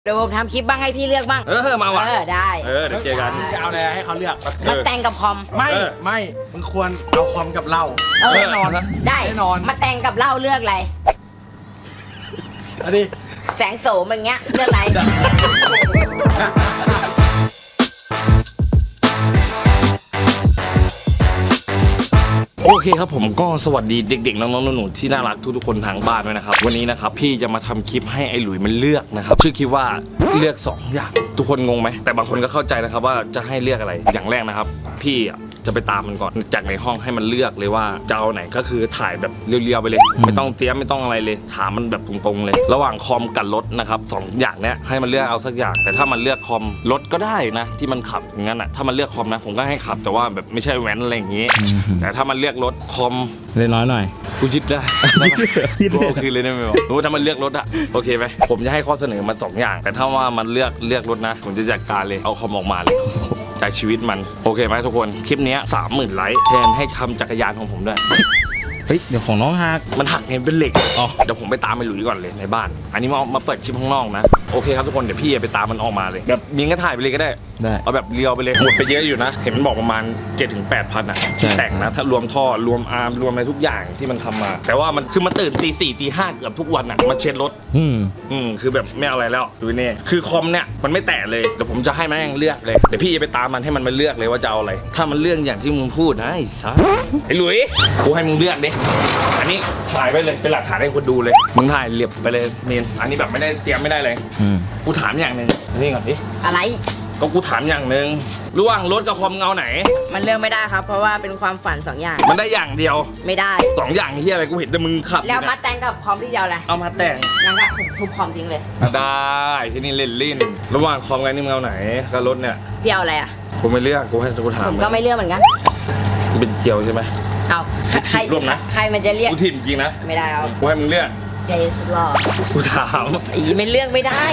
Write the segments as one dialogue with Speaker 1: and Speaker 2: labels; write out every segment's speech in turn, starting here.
Speaker 1: เดี๋ยวผมทำคลิปบ้างให้พี่เลือกบ้าง
Speaker 2: มาว่ะ
Speaker 1: ได้
Speaker 2: เดี๋ยวเจอกัน
Speaker 3: จะเอาอะไรให้เขาเลือก
Speaker 1: มาแต่งกับคอม
Speaker 3: ไม่มึงควรเอาคอมกับเหล้าแน่นอนนะ
Speaker 1: ได้
Speaker 3: แน่นอน
Speaker 1: มาแต่งกับเหล้าเลือกอะไร
Speaker 3: อันนี้
Speaker 1: แสงโสมอย่างเงี้ยเลือกอะไร
Speaker 2: โอเคครับผมก็สวัสดีเด็กๆน้องๆหนูๆที่น่ารักทุกๆคนทางบ้านด้วยนะครับวันนี้นะครับพี่จะมาทำคลิปให้ไอ้หลุยมันเลือกนะครับชื่อคลิปว่าเลือก2อย่างทุกคนงงไหมแต่บางคนก็เข้าใจนะครับว่าจะให้เลือกอะไรอย่างแรกนะครับพี่จะไปตามมันก่อนจากในห้องให้มันเลือกเลยว่าจะเอาไหนก็คือถ่ายแบบเรียวๆไปเลยไม่ต้องเตรียมไม่ต้องอะไรเลยถามมันแบบตรงๆเลยระหว่างคอมกับรถนะครับ2อย่างเนี้ยให้มันเลือกเอาสักอย่างแต่ถ้ามันเลือกคอมรถก็ได้นะที่มันขับอย่างนั้นอ่ะถ้ามันเลือกคอมนะผมก็ให้ขับแต่ว่าแบบไม่ใช่แว้นอะไรอย่างงี้แต่ถ้ามันเลือกรถคอม
Speaker 3: เล่นน้อยหน่อย
Speaker 2: กูยึดได้โอเคเลยได้ไหมบอกรู้ถ้ามันเลือกรถอะโอเคไหมผมจะให้ข้อเสนอมา2อย่างแต่ถ้าว่ามันเลือกรถนะผมจะจัดการเลยเอาคอมออกมาเลยจากชีวิตมันโอเคไหมทุกคนคลิปนี้ 30,000 ไลค์แทนให้ทำจักรยานของผมด้วย
Speaker 3: เฮ้ยเดี๋ยวของน้องหัก
Speaker 2: มันหักเงินเป็นเหล็กเดี๋ยวผมไปตามไปหลุยก่อนเลยในบ้านอันนี้มาเปิดคลิปข้างนอกนะโอเคครับทุกคนเดี๋ยวพี่ไปตามมันออกมาเลยแบบมีก็ถ่ายไปเลยก็ได้เอาแบบเรียวไปเลยหมดไปเยอะอยู่นะเห็นมันบอกประมาณ 7-8,000อ่ะแต่งนะถ้ารวมท่อรวมอาร์มรวมอะไรทุกอย่างที่มันทำมาแต่ว่ามันคือมันตื่นตี 4 ตี 5เกือบทุกวันอ่ะมาเช็ดรถคือแบบไม่เอาอะไรแล้วดูนี่คือคอมเนี่ยมันไม่แตะเลยเดี๋ยวผมจะให้มันเลือกเลยเดี๋ยวพี่จะไปตามมันให้มันมาเลือกเลยว่าจะเอาอะไรถ้ามันเลือกอย่างที่มึงพูดนะไอ้สัสไอ้หลุยกูให้มึงเลือกดิอันนี้ถ่ายไปเลยเป็นหลักฐานให้คนดูเลยมึงถ่ายเรียบไปเลยเมนอันนี้แบบไม่ได้เตรียมไม่ได้เลยกูถามอย่างหนึ่งนี่ก่อนดิ
Speaker 1: อะไร
Speaker 2: ก็กูถามอย่างหนึ่งระหว่างรถกับคอมเงาไหน
Speaker 1: มันเลือกไม่ได้ครับเพราะว่าเป็นความฝัน2อย่าง
Speaker 2: มันได้อย่างเดียว
Speaker 1: ไม่ได้
Speaker 2: 2อย่างที่อะไรกูเห็นแต่มึงขับ
Speaker 1: แล้วมาแต่งกับคอมที่เดียวอะไร
Speaker 2: เอามาแต่ง
Speaker 1: งั้นก็ทุบคอมทิ้งเลย
Speaker 2: ได้ที่นี่เล่นลิ้นระหว่างคอมกับนี่เงาไหนกับรถเนี่ย
Speaker 1: พี่เอาอะไรอ่ะ
Speaker 2: กูไม่เลือกกูให้กูถาม
Speaker 1: ผมก็ไม่เลือกเหมือนกัน
Speaker 2: กูเป็นเกียวใช่ไหม
Speaker 1: เอาใครร่วมนะใครมันจะเรียก
Speaker 2: กูทีมจริงนะ
Speaker 1: ไม่ได้เอา
Speaker 2: กูให้มึงเลือก
Speaker 1: เจสลอ
Speaker 2: กูถาม
Speaker 1: ไม่เลือกไม่ได้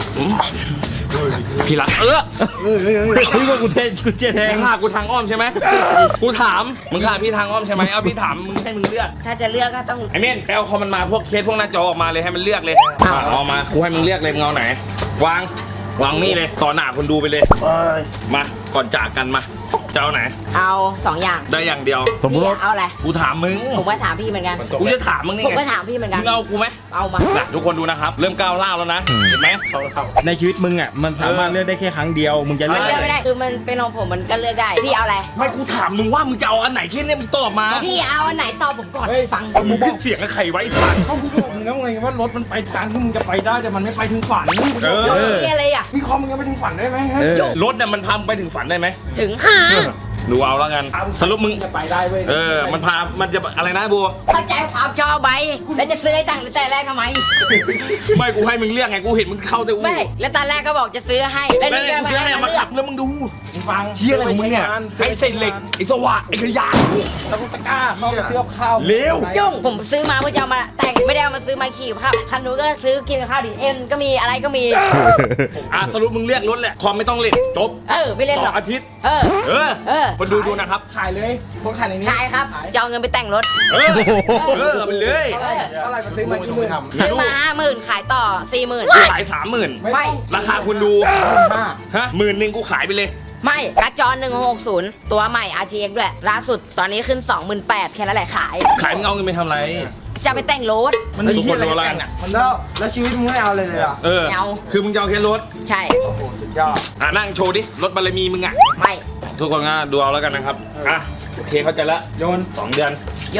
Speaker 2: พี่รัก
Speaker 3: เฮ้ยว่ากูเจ๊แทง
Speaker 2: ฆ่ากูทางอ้อมใช่ไหมกูถามมึงฆ่าพี่ทางอ้อมใช่ไหมเอาพี่ถามมึงให้มึงเลือก
Speaker 1: ถ้าจะเลือกก็ต้อง
Speaker 2: ไอเม่นแปลคอมมันมาพวกเคสพวกหน้าจอออกมาเลยให้มันเลือกเลยเอามากูให้มึงเลือกเลยมึงเอาไหนวางนี่เลยต่อหน้าคนดูไปเลยมาก่อนจากกันมาจะเอาไหน
Speaker 1: เอา2อย่าง
Speaker 2: ได้อย่างเดียว
Speaker 3: สมมติ
Speaker 1: เอาอะไร
Speaker 2: กูถามมึง
Speaker 1: ผมก็ถามพี่เหมือนกัน
Speaker 2: กูจะถามมึงนี่ไง
Speaker 1: ผมก็ถามพี่เหมือนกัน
Speaker 2: มึงเอากูไหม
Speaker 1: เอามา
Speaker 2: ทุกคนดูนะครับเริ่มก้าวล่าแล้วนะเห็นไหม
Speaker 3: ในชีวิตมึงอ่ะมันสามารถเลือกได้แค่ครั้งเดียวมึงจะเลือก
Speaker 1: ไม่ได้คือมันเป็นของผมมันก็เลือกได้พี่เอาอะไร
Speaker 2: ไม่กูถามมึงว่ามึงจะเอาอันไหนแค่นี้มึงตอบมา
Speaker 1: พี่เอาอันไหนตอบผมก่อนฟัง
Speaker 2: มึงบอกเสียงกับใครไว้ฝัน
Speaker 3: เขาพูดมึงแล้วไงว่ารถมันไปทางที่มึงจะไปได้แต่มันไม่ไปถึงฝัน
Speaker 1: อะไรอ่ะ
Speaker 3: มีคอมมึงยังไปถึงฝันได้ไหม
Speaker 2: รถเนี่ยมันพาไปถึงฝันได้ไหม
Speaker 1: ถึง
Speaker 2: ดูเอาแล้วกันสรุปมึง
Speaker 3: จะไปได้เว้ย
Speaker 2: มันจะอะไรนะบัว
Speaker 1: เข้าใจความชอบใบแล้วจะซื้อให้ตั้งแต่แรกทำไม
Speaker 2: ไม่กูให้มึงเลือกไงกูเห็นมึงเข้าแต่
Speaker 1: ไม่แล้วตอนแรกก็บอกจะซื้อให้
Speaker 2: แล้วนี่ก็ซื้อให้มาขับแล้วมึงดู
Speaker 3: ฟัง
Speaker 2: เฮียอะไรของมึงเนี่ยไอ้เศษเหล็กไอ้สว่านไอ้ขยะ
Speaker 3: ตะกุตะก้าเข้าไปซื้อข้าว
Speaker 2: เร็ว
Speaker 1: ยุ่งผมซื้อมาเพื่อจะมาแต่งไม่ได้เอามาซื้อมาขี่ครับคันนู้นก็ซื้อกินข้าวดิเอ็มก็มีอะไรก็มี
Speaker 2: สรุปมึงเลือกรถแหละความไม่ต้องเล่นจบ
Speaker 1: ไม่เล่นหรอก
Speaker 2: อาทิตย์คนดูนะครับ
Speaker 3: ขายเลยคนขายในนี้
Speaker 1: ขายครับจะเอาเงินไปแต่งรถ
Speaker 2: มันเลย
Speaker 3: อะไรมาซื้อมากี่หมื่น
Speaker 1: ซื้อมา50,000ขายต่อ40,000
Speaker 2: ขาย30,000
Speaker 1: ไม่
Speaker 2: ราคาคุณดู10,000กูขายไปเลย
Speaker 1: ไม่กระจร1660ตัวใหม่ RTX ด้วยล่าสุดตอนนี้ขึ้น 28,000แค่นั้นแหละขาย
Speaker 2: มึงเอาเงินไปทำอะไร
Speaker 1: จะไปแต่งรถ
Speaker 2: มันทุกคนรู้อะไร
Speaker 3: มันแล้วชีวิตมึงไม่เอาเลยเหรอ
Speaker 1: เอา
Speaker 2: คือมึงจะเอาแค่รถ
Speaker 1: ใช่
Speaker 3: โอ้โหสุดยอด
Speaker 2: นั่งโชว์ดิรถบารมีมึง
Speaker 1: ไม่
Speaker 2: ทุกคนก็ดูเอาแล้วกันนะครับโอเคเข้าใจละ
Speaker 3: โยน
Speaker 2: 2 เดือน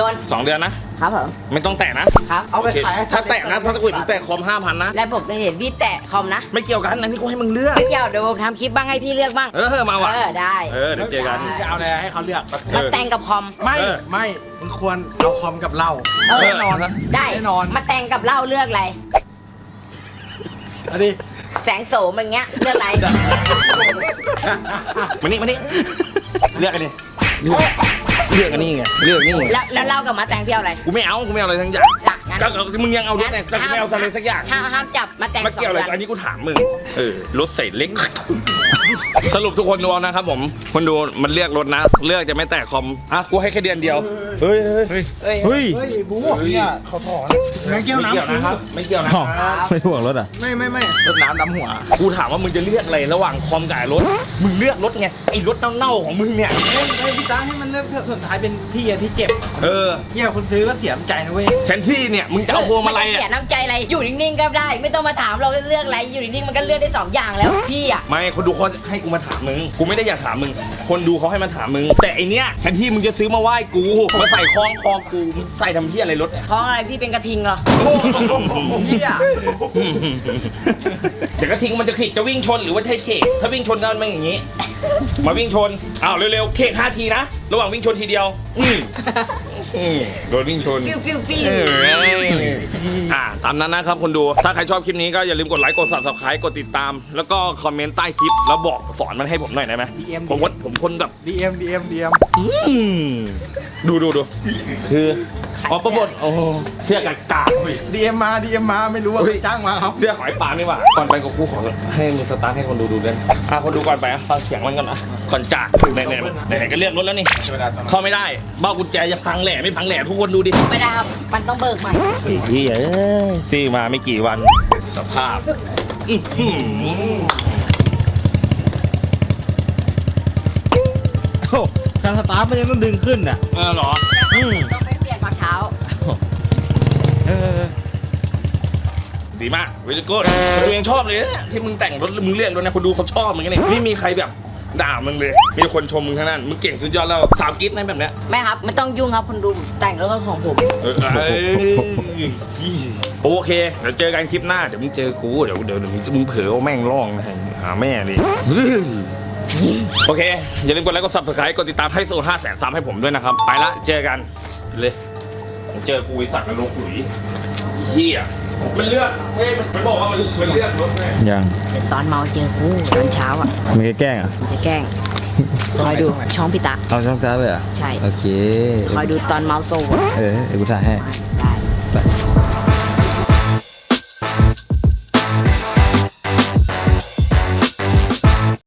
Speaker 2: 2 เดือนนะครับ
Speaker 1: ผม
Speaker 2: ไม่ต้องแตะนะครับ
Speaker 3: เอาไปขาย
Speaker 2: ถ้าแตะนะถ้าจะกุยมึงแตะคอม 5,000นะ
Speaker 1: แล้วผมจะเห็นพี่แตะคอมนะ
Speaker 2: ไม่เกี่ยวกันอันนี้กูให้มึงเลือก
Speaker 1: ไม่เกี่ยวเดี๋ยวผมทำคลิปบ้างให้พี่เลือกบ้าง
Speaker 2: มาว่ะ
Speaker 1: ได้
Speaker 2: เดี๋ยวเจอกัน
Speaker 3: จะเอาอะไรให้เขาเลือก
Speaker 1: มาแต่งกับคอม
Speaker 3: ไม่มึงควรเอาคอมกับเหล้า
Speaker 1: แน่นอนได้แน่นอนมาแต่งกับเหล้าเลือกอะไร
Speaker 3: อันนี้
Speaker 1: แสงโสมอย่างเงี้ยเลือกอะไร
Speaker 2: มานี่เลือกอันนี้เลือกอันนี้ไงเลือกนี่
Speaker 1: แล้วเล่ากับมาแต่งพี่เอาอะไร
Speaker 2: กูไม่เอาอะไรทั้งอย่างก็มึงยังเอารถแต่กูไม่เอาอะไรสักอย่าง
Speaker 1: ห้ามจับมาแต่ง
Speaker 2: มาเกี่ยวอะไรอันนี้กูถามมึงรถใส่เล็กสรุปทุกคนดูเอานะครับผมคนดูมันเลือกรถนะ เลือกจะไม่แตะคอมอ่ะกูให้แค่เดือนเดียวเฮ้ย
Speaker 1: เฮ้ย
Speaker 4: เฮ้ยบูเนี่ยเขาถอนไม่เกี่ยว
Speaker 2: ไม่เกี่ยว
Speaker 4: น้ำ
Speaker 2: นะครับไม่เกี่ยวนะครับ
Speaker 5: ไม่ห่วงรถอ่ะ
Speaker 4: ไม่รถน้ำดำหัว
Speaker 2: กูถามว่ามึงจะเลือกอะไรระหว่างคอมกับรถมึงเลือกรถไงไอ้รถเน่าๆของมึงเนี่ย
Speaker 4: เฮ้ยพี่ตาให้มันเลือกเถอะสุดท้ายเป็นพี่อะที่เจ็บ
Speaker 2: เออ
Speaker 4: เหี้ยคนซื้อก็เสียใจนะเว้ย
Speaker 2: แทนที่เนี่ยมึงจะเอาพวงมาลัย
Speaker 1: เสีย
Speaker 2: อ่ะ
Speaker 1: น้ำใจอะไรอยู่นิ่งๆก็ได้ ไม่ต้องมาถามเราเลือกอะไรอยู่นิ่งๆมันก็เลือกได้สองอย่างแล้วพี่อ่ะ
Speaker 2: ไม่คนดูเขาให้กูมาถามมึงกูไม่ได้อยากถามมึงคนดูเขาให้มาถามมึงแต่ไอเนี้ยแทนที่มึงจะซื้อมาไหว้กูมาใส่คล้องคอกูมึงใส่ทำที่อะไรรถเนี่ย
Speaker 1: ท้องอะไรพี่เป็นกระทิงเหรอ
Speaker 4: เหี้ย
Speaker 2: เดี๋ยวกระทิงมันจะขิดจะวิ่งชนหรือว่าใช่เขกถ้าวิ่งชนก็มันอย่างนี้ มาวิ่งชนอ้าวเร็วๆเขก5 ทีนะระหว่างวิ่งชนทีเดียวโดนวิ่งชน
Speaker 1: ปิ้วปิ้วปิ้ว
Speaker 2: ตามนั้นนะครับคนดูถ้าใครชอบคลิปนี้ก็อย่าลืมกดไลค์กด subscribe กดติดตาม แล้วก็คอมเมนต์ใต้คลิปแล้วบอกสอนมันให้ผมหน่อยได้ไหมผมคนแบบ
Speaker 4: DM
Speaker 2: ดูคืออ๋อประบดโอ้เสื้อกากา
Speaker 4: DM มาไม่รู้ว่าใครจ้างมาครับ
Speaker 2: เสื้อหอยปลานี่หว่าก่อนไปกับกูขอให้มึงสตาร์ทให้คนดูด้วยคนดูก่อนไปฟังเสียงมันก่อนนะก่อนจากไหนก็เรียกรถแล้วนี่เข้าไม่ได้บ้ากุญแจจะพังแหล่ไม่พังแหล่ทุกคนดูดิ
Speaker 1: ไม่ได้ครับมันต้องเบิกใหม่
Speaker 2: พี่ซื้อมาไม่กี่วันสภาพ
Speaker 5: การสตาร์ทมันยังต้องดึงขึ้นอ่ะ
Speaker 2: เหรอ
Speaker 1: ต้องไปเปลี่ยนฝ่าเท้า
Speaker 2: ดีมากเวลิโก้คนดูยังชอบเลยเนี่ยที่มึงแต่งรถมึงเลือกรถนะคนดูเขาชอบเหมือนกันเนี่ยไม่มีใครแบบด่ามึงเลยมีคนชมมึงทั้งนั้นมึงเก่งสุดยอดแล้วสาวกิ๊ดนะแบบเนี้ย
Speaker 1: ไม่ครับไม่ต้องยุ่งครับคนดูแต่งรถของผม
Speaker 2: โอเคเดี๋ยวเจอกันคลิปหน้าเดี๋ยวมึงเจอกูเดี๋ยวมึงเผลอเอาแม่งร้องนะหาแม่ดิโอเคอย่าลืมกดไลค์กด subscribe กดติดตามให้โซน500,000 3ให้ผมด้วยนะครับไปละเจอกันเลยเจอกูไอ้สัตว์นรกหลุยเฮียมันเลือกมันบอกว่ามันเลือกรถไง
Speaker 5: ยัง
Speaker 1: เดี๋ยวตอนเมาเจอกูตอนเช้าอ่ะ
Speaker 5: ไม่แกล้งอ่ะ
Speaker 1: จะแกล้งคอยดูช่องพี่ตา
Speaker 5: เอาช่องซ้ายเลยอ่ะ
Speaker 1: ใช่
Speaker 5: โอเค
Speaker 1: คอยดูตอนเมาโซ่อะ
Speaker 5: เดี๋ยวกูถ่ายให้